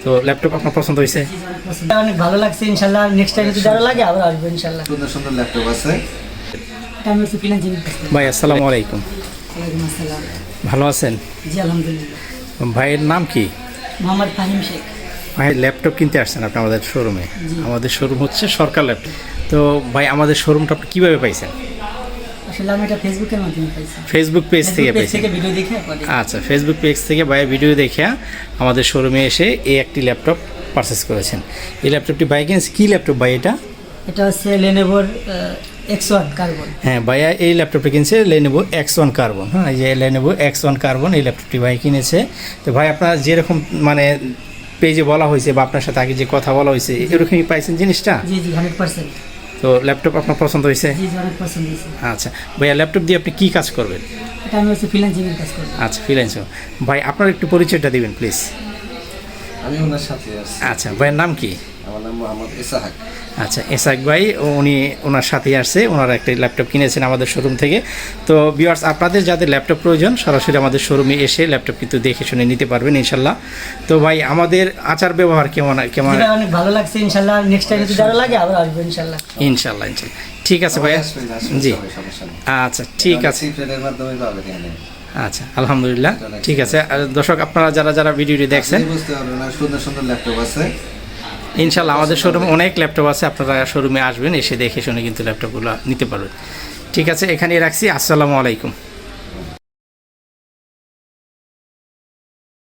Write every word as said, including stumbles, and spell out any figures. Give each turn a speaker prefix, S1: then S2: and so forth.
S1: তো ল্যাপটপ আপনার পছন্দ হয়েছে?
S2: অনেক ভালো লাগছে, ইনশাআল্লাহ নেক্সট টাইম যদি আরো লাগে আবার আসবো ইনশাআল্লাহ।
S3: সুন্দর সুন্দর ল্যাপটপ আছে।
S2: আমি হচ্ছে ফিনান্সিং।
S1: ভাই আসসালামু আলাইকুম।
S2: ওয়ালাইকুম আসসালাম।
S1: ভালো আছেন?
S2: জি আলহামদুলিল্লাহ।
S1: ভাইয়ের নাম কি?
S2: মোহাম্মদ ফাহিম শেখ।
S1: ভাই ল্যাপটপ কিনতে আসছেন আপনি আমাদের শোরুমে? আমাদের শোরুম হচ্ছে সরকার ল্যাপটপ। তো ভাই আমাদের শোরুমটা আপনি কীভাবে পাইছেন?
S2: আসলে আমি এটা ফেসবুকের মাধ্যমে পাইছি।
S1: ফেসবুক পেজ থেকে
S2: পেজ
S1: পাইছেন?
S2: থেকে ভিডিও দেখে পরে।
S1: আচ্ছা, ফেসবুক পেজ থেকে ভাইয়ের ভিডিও দেখে আমাদের শোরুমে এসে এই একটি ল্যাপটপ পারচেস করেছেন। এই ল্যাপটপটি ভাই কিনেছে কী ল্যাপটপ ভাই এটা?
S2: এটা হচ্ছে লেনোভোর এক্স ওয়ান কার্বন।
S1: হ্যাঁ ভাইয়া এই ল্যাপটপটা কিনছে লেনোভো এক্স ওয়ান কার্বন। হ্যাঁ, এই যে লেনোভো এক্স ওয়ান কার্বন এই ল্যাপটপটি ভাই কিনেছে। তো ভাই আপনার যেরকম মানে পেজে বলা হয়েছে বা আপনার সাথে আগে যে কথা বলা হয়েছে এরকমই পাইছেন জিনিসটা?
S2: জি জি হান্ড্রেড পার্সেন্ট।
S1: তো ল্যাপটপ আপনার পছন্দ হয়েছে?
S2: জি জি অনেক পছন্দ হয়েছে।
S1: আচ্ছা ভাইয়া, ল্যাপটপ দিয়ে আপনি কী কাজ করবেন?
S2: এটা আমি হচ্ছে ফ্রিল্যান্সিং এর কাজ করি।
S1: আচ্ছা, ফ্রিল্যান্সিং। ভাই আপনার একটু পরিচয়টা দিবেন প্লিজ।
S3: আমি ওনার সাথে আছি।
S1: আচ্ছা, ভাইয়ের নাম কি?
S3: আমার নাম মোহাম্মদ ইসাহাক।
S1: আচ্ছা, এসাক ভাই উনি ওনার সাথেই আসছে, ওনারা একটা ল্যাপটপ কিনেছেন আমাদের শোরুম থেকে। তো ভিউয়ার্স, আপনাদের যাদের ল্যাপটপ প্রয়োজন সরাসরি আমাদের শোরুমে এসে ল্যাপটপ কিন্তু দেখে শুনে নিতে পারবেন ইনশাল্লাহ। তো ভাই আমাদের আচার ব্যবহার কেমন কেমন?
S2: এটা অনেক ভালো লাগছে, ইনশাআল্লাহ নেক্সট টাইম যদি আরো লাগে আবার আসবো ইনশাআল্লাহ।
S1: ইনশাল্লাহ ইনশাল্লাহ। ঠিক আছে ভাইয়া।
S3: আসবেন, আসবেন,
S1: জি
S3: সবাই, সমস্যা নেই।
S1: আচ্ছা ঠিক আছে।
S3: সিপ্রেটের মাধ্যমে পাবেন এখানে।
S1: আচ্ছা আলহামদুলিল্লাহ, ঠিক আছে। আর দর্শক আপনারা যারা যারা ভিডিওটি দেখছেন
S3: আপনি বুঝতে পারবেন না, সুন্দর সুন্দর ল্যাপটপ আছে।
S1: ইনশাল্লাহ আমাদের শোরুমে অনেক ল্যাপটপ আছে, আপনারা শোরুমে আসবেন, এসে দেখে শুনে কিন্তু ল্যাপটপগুলো নিতে পারবেন। ঠিক আছে, এখানেই রাখছি। আসসালামু আলাইকুম।